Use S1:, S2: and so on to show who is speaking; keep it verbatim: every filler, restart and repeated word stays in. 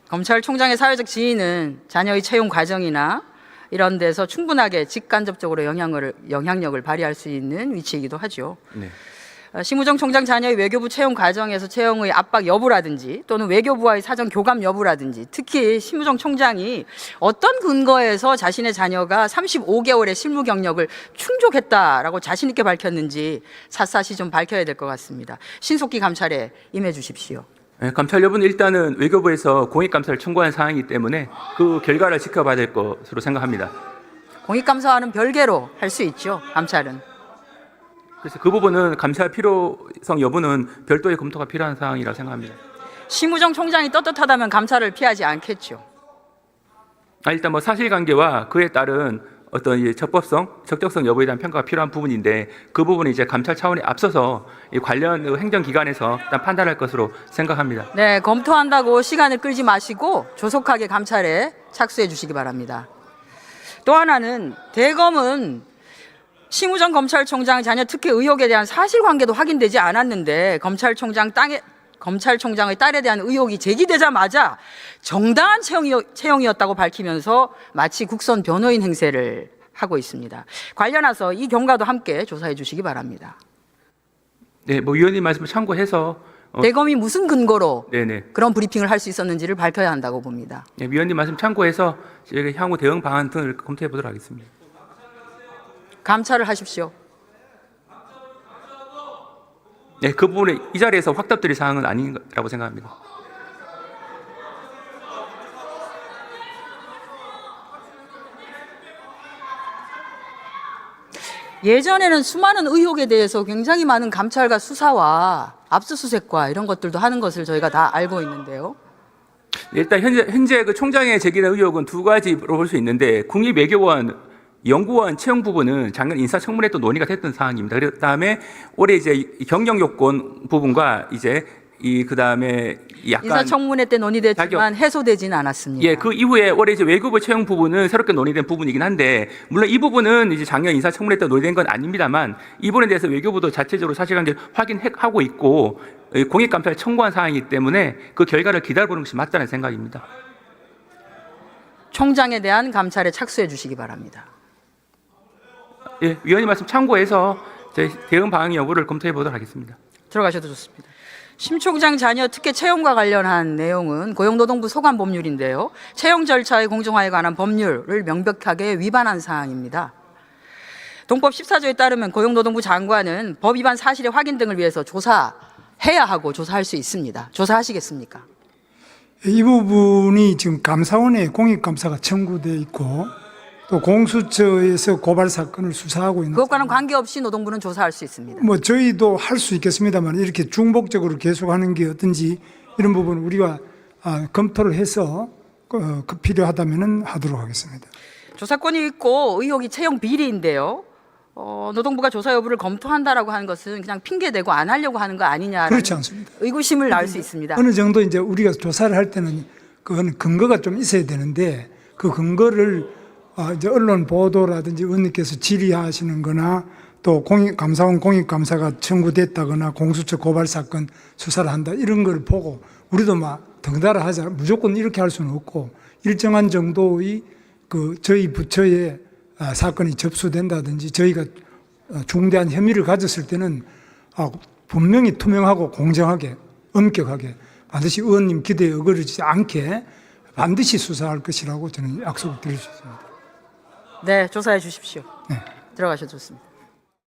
S1: 검찰총장의 사회적 지위는 자녀의 채용 과정이나 이런 데서 충분하게 직간접적으로 영향을, 영향력을 발휘할 수 있는 위치이기도 하죠.
S2: 네.
S1: 심우정 총장 자녀의 외교부 채용 과정에서 채용의 압박 여부라든지 또는 외교부와의 사전 교감 여부라든지 특히 심우정 총장이 어떤 근거에서 자신의 자녀가 삼십오 개월의 실무 경력을 충족했다라고 자신 있게 밝혔는지 샅샅이 좀 밝혀야 될 것 같습니다. 신속히 감찰에 임해 주십시오.
S2: 네, 감찰 여부는 일단은 외교부에서 공익감사를 청구한 사항이기 때문에 그 결과를 지켜봐야 될 것으로 생각합니다.
S1: 공익감사와는 별개로 할 수 있죠, 감찰은.
S2: 그래서 그 부분은 감찰 필요성 여부는 별도의 검토가 필요한 사항이라고 생각합니다.
S1: 심우정 총장이 떳떳하다면 감찰을 피하지 않겠죠.
S2: 아, 일단 뭐 사실관계와 그에 따른 어떤 이제 적법성, 적격성 여부에 대한 평가가 필요한 부분인데 그 부분은 이제 감찰 차원에 앞서서 이 관련 행정기관에서 일단 판단할 것으로 생각합니다.
S1: 네, 검토한다고 시간을 끌지 마시고 조속하게 감찰에 착수해 주시기 바랍니다. 또 하나는 대검은 심우정 검찰총장 자녀 특혜 의혹에 대한 사실관계도 확인되지 않았는데 검찰총장 땅에 검찰총장의 딸에 대한 의혹이 제기되자마자 정당한 채용이, 채용이었다고 밝히면서 마치 국선 변호인 행세를 하고 있습니다. 관련해서 이 경과도 함께 조사해 주시기 바랍니다.
S2: 네, 뭐 위원님 말씀을 참고해서 어,
S1: 대검이 무슨 근거로
S2: 네네.
S1: 그런 브리핑을 할 수 있었는지를 밝혀야 한다고 봅니다.
S2: 네, 위원님 말씀 참고해서 저희가 향후 대응 방안 등을 검토해 보도록 하겠습니다.
S1: 감찰을 하십시오.
S2: 네, 그 부분에 이 자리에서 확답드릴 사항은 아니라고 생각합니다.
S1: 예전에는 수많은 의혹에 대해서 굉장히 많은 감찰과 수사와 압수수색과 이런 것들도 하는 것을 저희가 다 알고 있는데요.
S2: 일단 현재 현재 그 총장의 제기된 의혹은 두 가지로 볼 수 있는데 국립외교원 연구원 채용 부분은 작년 인사청문회 또 논의가 됐던 사항입니다. 그다음에 올해 이제 경영 요건 부분과 이제 이 그다음에 약간
S1: 인사청문회 때 논의됐지만
S2: 자격,
S1: 해소되지는 않았습니다.
S2: 예, 그 이후에 올해 이제 외교부 채용 부분은 새롭게 논의된 부분이긴 한데 물론 이 부분은 이제 작년 인사청문회 때 논의된 건 아닙니다만 이 부분에 대해서 외교부도 자체적으로 사실관계를 확인하고 있고 공익감사를 청구한 사항이기 때문에 그 결과를 기다려보는 것이 맞다는 생각입니다.
S1: 총장에 대한 감찰에 착수해 주시기 바랍니다.
S2: 예, 위원님 말씀 참고해서 저희 대응 방안 여부를 검토해 보도록 하겠습니다.
S1: 들어가셔도 좋습니다. 심 총장 자녀 특혜 채용과 관련한 내용은 고용노동부 소관법률인데요. 채용 절차의 공정화에 관한 법률을 명백하게 위반한 사항입니다. 동법 십사 조에 따르면 고용노동부 장관은 법 위반 사실의 확인 등을 위해서 조사해야 하고 조사할 수 있습니다. 조사하시겠습니까?
S3: 이 부분이 지금 감사원에 공익감사가 청구되어 있고 또 공수처에서 고발 사건을 수사하고 있는
S1: 그것과는 관계없이 노동부는 조사할 수 있습니다.
S3: 뭐 저희도 할 수 있겠습니다만 이렇게 중복적으로 계속하는 게 어떤지 이런 부분 우리가 아, 검토를 해서 어, 그 필요하다면은 하도록 하겠습니다.
S1: 조사권이 있고 의혹이 채용 비리인데요. 어, 노동부가 조사 여부를 검토한다라고 하는 것은 그냥 핑계대고 안 하려고 하는 거 아니냐라는
S3: 그렇지 않습니다.
S1: 의구심을 낳을 수 있습니다.
S3: 어느 정도 이제 우리가 조사를 할 때는 그건 근거가 좀 있어야 되는데 그 근거를 어, 이제 언론 보도라든지 의원님께서 질의하시는 거나 또 공익, 감사원 공익감사가 청구됐다거나 공수처 고발 사건 수사를 한다 이런 걸 보고 우리도 막 덩달아 하자 무조건 이렇게 할 수는 없고 일정한 정도의 그 저희 부처에 아, 사건이 접수된다든지 저희가 중대한 혐의를 가졌을 때는 아, 분명히 투명하고 공정하게 엄격하게 반드시 의원님 기대에 어그러지지 않게 반드시 수사할 것이라고 저는 약속을 드릴 수 있습니다.
S1: 네, 조사해 주십시오.
S3: 네.
S1: 들어가셔도 좋습니다.